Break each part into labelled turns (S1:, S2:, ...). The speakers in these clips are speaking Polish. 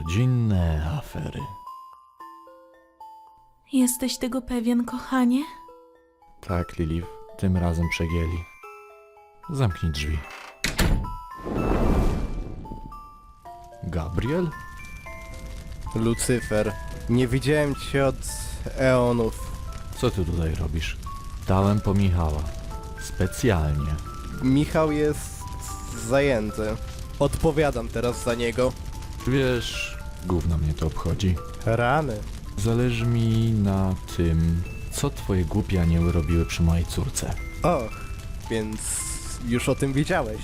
S1: Rodzinne afery.
S2: Jesteś tego pewien, kochanie?
S1: Tak, Lilith, tym razem przegięli. Zamknij drzwi. Gabriel?
S3: Lucyfer, nie widziałem cię od eonów.
S1: Co ty tutaj robisz? Dałem po Michała. Specjalnie.
S3: Michał jest zajęty. Odpowiadam teraz za niego.
S1: Wiesz, gówno mnie to obchodzi.
S3: Rany.
S1: Zależy mi na tym, co twoje głupie anioły robiły przy mojej córce.
S3: Och, więc już o tym wiedziałeś.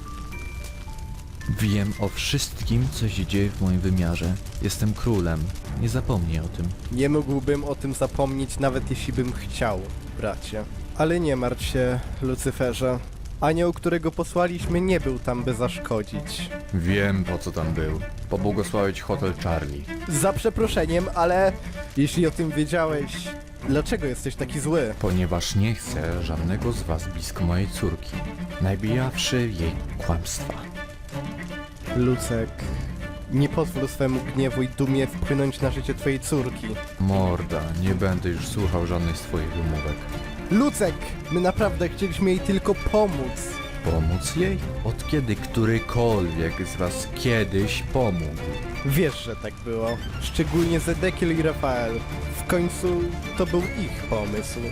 S1: Wiem o wszystkim, co się dzieje w moim wymiarze. Jestem królem. Nie zapomnij o tym.
S3: Nie mógłbym o tym zapomnieć, nawet jeśli bym chciał, bracie. Ale nie martw się, Lucyferze. Anioł, którego posłaliśmy, nie był tam, by zaszkodzić.
S1: Wiem, po co tam był. Pobłogosławić Hotel Charlie.
S3: Za przeproszeniem, ale jeśli o tym wiedziałeś, dlaczego jesteś taki zły?
S1: Ponieważ nie chcę żadnego z was blisko mojej córki. Najbijawszy jej kłamstwa.
S3: Lucek, nie pozwól swemu gniewu i dumie wpłynąć na życie twojej córki.
S1: Morda, nie będę już słuchał żadnych z twoich wymówek.
S3: Lucek, my naprawdę chcieliśmy jej tylko pomóc.
S1: Pomóc jej? Od kiedy którykolwiek z was kiedyś pomógł?
S3: Wiesz, że tak było. Szczególnie Zedekiel i Rafael. W końcu to był ich pomysł.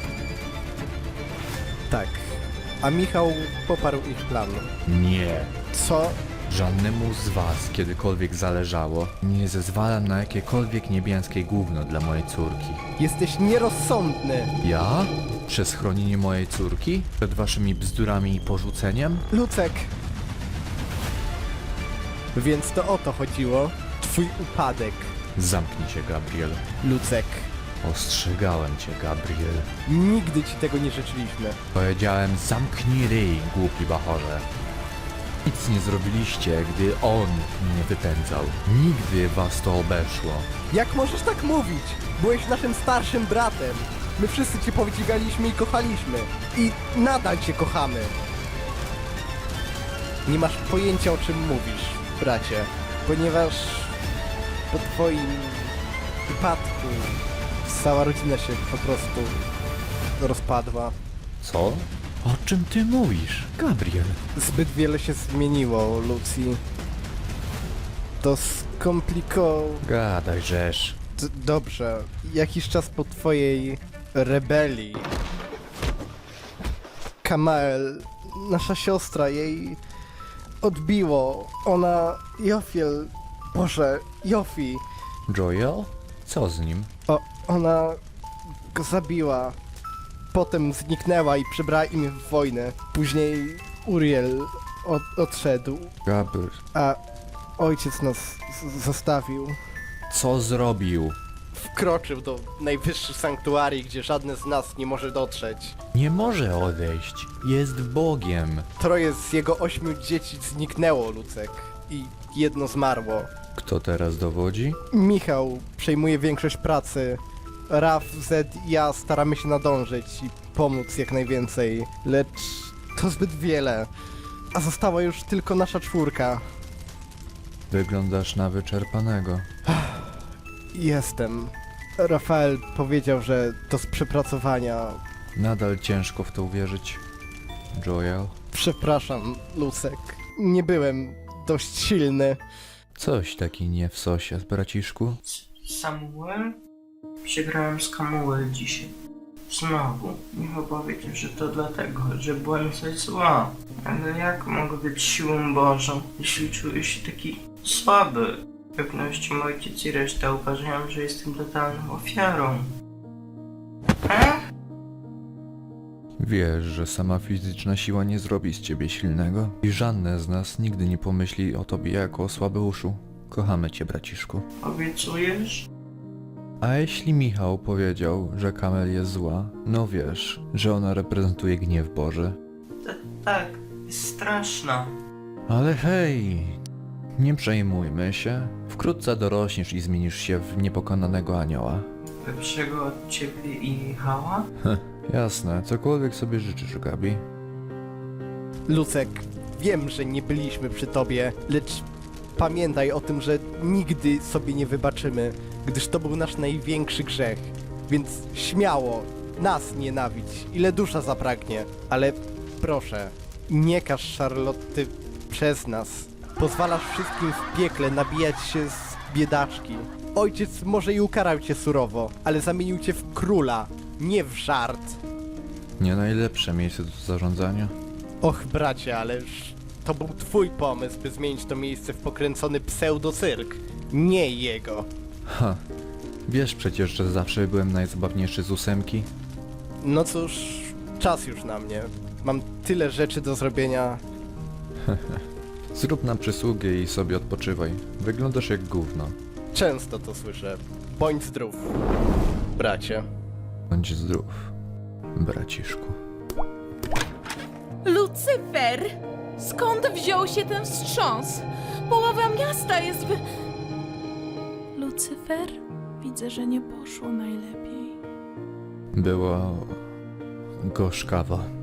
S3: Tak. A Michał poparł ich plan.
S1: Nie.
S3: Co?
S1: Żadnemu z was kiedykolwiek zależało. Nie zezwalam na jakiekolwiek niebiańskie gówno dla mojej córki.
S3: Jesteś nierozsądny.
S1: Ja? Przez chronienie mojej córki? Przed waszymi bzdurami i porzuceniem?
S3: Lucek. Więc to o to chodziło. Twój upadek.
S1: Zamknij się, Gabriel.
S3: Lucek.
S1: Ostrzegałem cię, Gabriel.
S3: Nigdy ci tego nie życzyliśmy.
S1: Powiedziałem, zamknij ryj, głupi bachorze. Nic nie zrobiliście, gdy on mnie wypędzał. Nigdy was to obeszło.
S3: Jak możesz tak mówić? Byłeś naszym starszym bratem. My wszyscy cię podziwialiśmy i kochaliśmy. I nadal cię kochamy. Nie masz pojęcia, o czym mówisz, bracie. Ponieważ po twoim wypadku cała rodzina się po prostu rozpadła.
S1: Co? O czym ty mówisz, Gabriel?
S3: Zbyt wiele się zmieniło, Lucy. To
S1: Gadaj, żeż.
S3: Dobrze. Jakiś czas po twojej rebelii Kamael, nasza siostra, jej odbiło. Ona... Jofi.
S1: Joel? Co z nim?
S3: Ona go zabiła. Potem zniknęła i przebrała imię w wojnę. Później Uriel odszedł,
S1: Gabriel.
S3: a ojciec nas zostawił.
S1: Co zrobił?
S3: Wkroczył do najwyższych sanktuarii, gdzie żadne z nas nie może dotrzeć.
S1: Nie może odejść. Jest Bogiem.
S3: 3 z jego 8 dzieci zniknęło, Lucek. I jedno zmarło.
S1: Kto teraz dowodzi?
S3: Michał przejmuje większość pracy. Raf, Zed i ja staramy się nadążyć i pomóc jak najwięcej. Lecz to zbyt wiele. A została już tylko nasza 4.
S1: Wyglądasz na wyczerpanego.
S3: Jestem. Rafael powiedział, że to z przepracowania.
S1: Nadal ciężko w to uwierzyć. Joel?
S3: Przepraszam, Lucek. Nie byłem dość silny.
S1: Coś taki nie w sosie, braciszku.
S4: Samuel? Przegrałem z Kamuel dzisiaj. Znowu. Michał powiedział, że to dlatego, że byłem coś zła. Ale jak mogę być siłą Bożą, jeśli czuję się taki słaby? W pewności mój ojciec i reszta uważają, że jestem totalną ofiarą.
S1: Wiesz, że sama fizyczna siła nie zrobi z ciebie silnego? I żadne z nas nigdy nie pomyśli o tobie jako o słabeuszu. Kochamy cię, braciszku.
S4: Obiecujesz?
S1: A jeśli Michał powiedział, że Kamel jest zła, no wiesz, że ona reprezentuje gniew Boży.
S4: Tak, jest straszna.
S1: Ale hej, nie przejmujmy się. Wkrótce dorośniesz i zmienisz się w niepokonanego anioła.
S4: Lepszego od ciebie i Michała?
S1: Jasne, cokolwiek sobie życzysz, Gabi.
S3: Lucek, wiem, że nie byliśmy przy tobie, lecz Pamiętaj o tym, że nigdy sobie nie wybaczymy, gdyż to był nasz największy grzech. Więc śmiało, nas nienawidź, ile dusza zapragnie. Ale proszę, nie każ Charlotty przez nas. Pozwalasz wszystkim w piekle nabijać się z biedaczki. Ojciec może i ukarał cię surowo, ale zamienił cię w króla, nie w żart.
S1: Nie najlepsze miejsce do zarządzania.
S3: Och bracie, ależ to był twój pomysł, by zmienić to miejsce w pokręcony pseudocyrk, nie jego.
S1: Ha, wiesz przecież, że zawsze byłem najzabawniejszy z 8.
S3: No cóż, czas już na mnie. Mam tyle rzeczy do zrobienia.
S1: Zrób nam przysługę i sobie odpoczywaj. Wyglądasz jak gówno.
S3: Często to słyszę. Bądź zdrów, bracie.
S1: Bądź zdrów, braciszku.
S2: Lucyfer! Skąd wziął się ten wstrząs? Połowa miasta jest w... Lucyfer? Widzę, że nie poszło najlepiej.
S1: Było gorzkawo.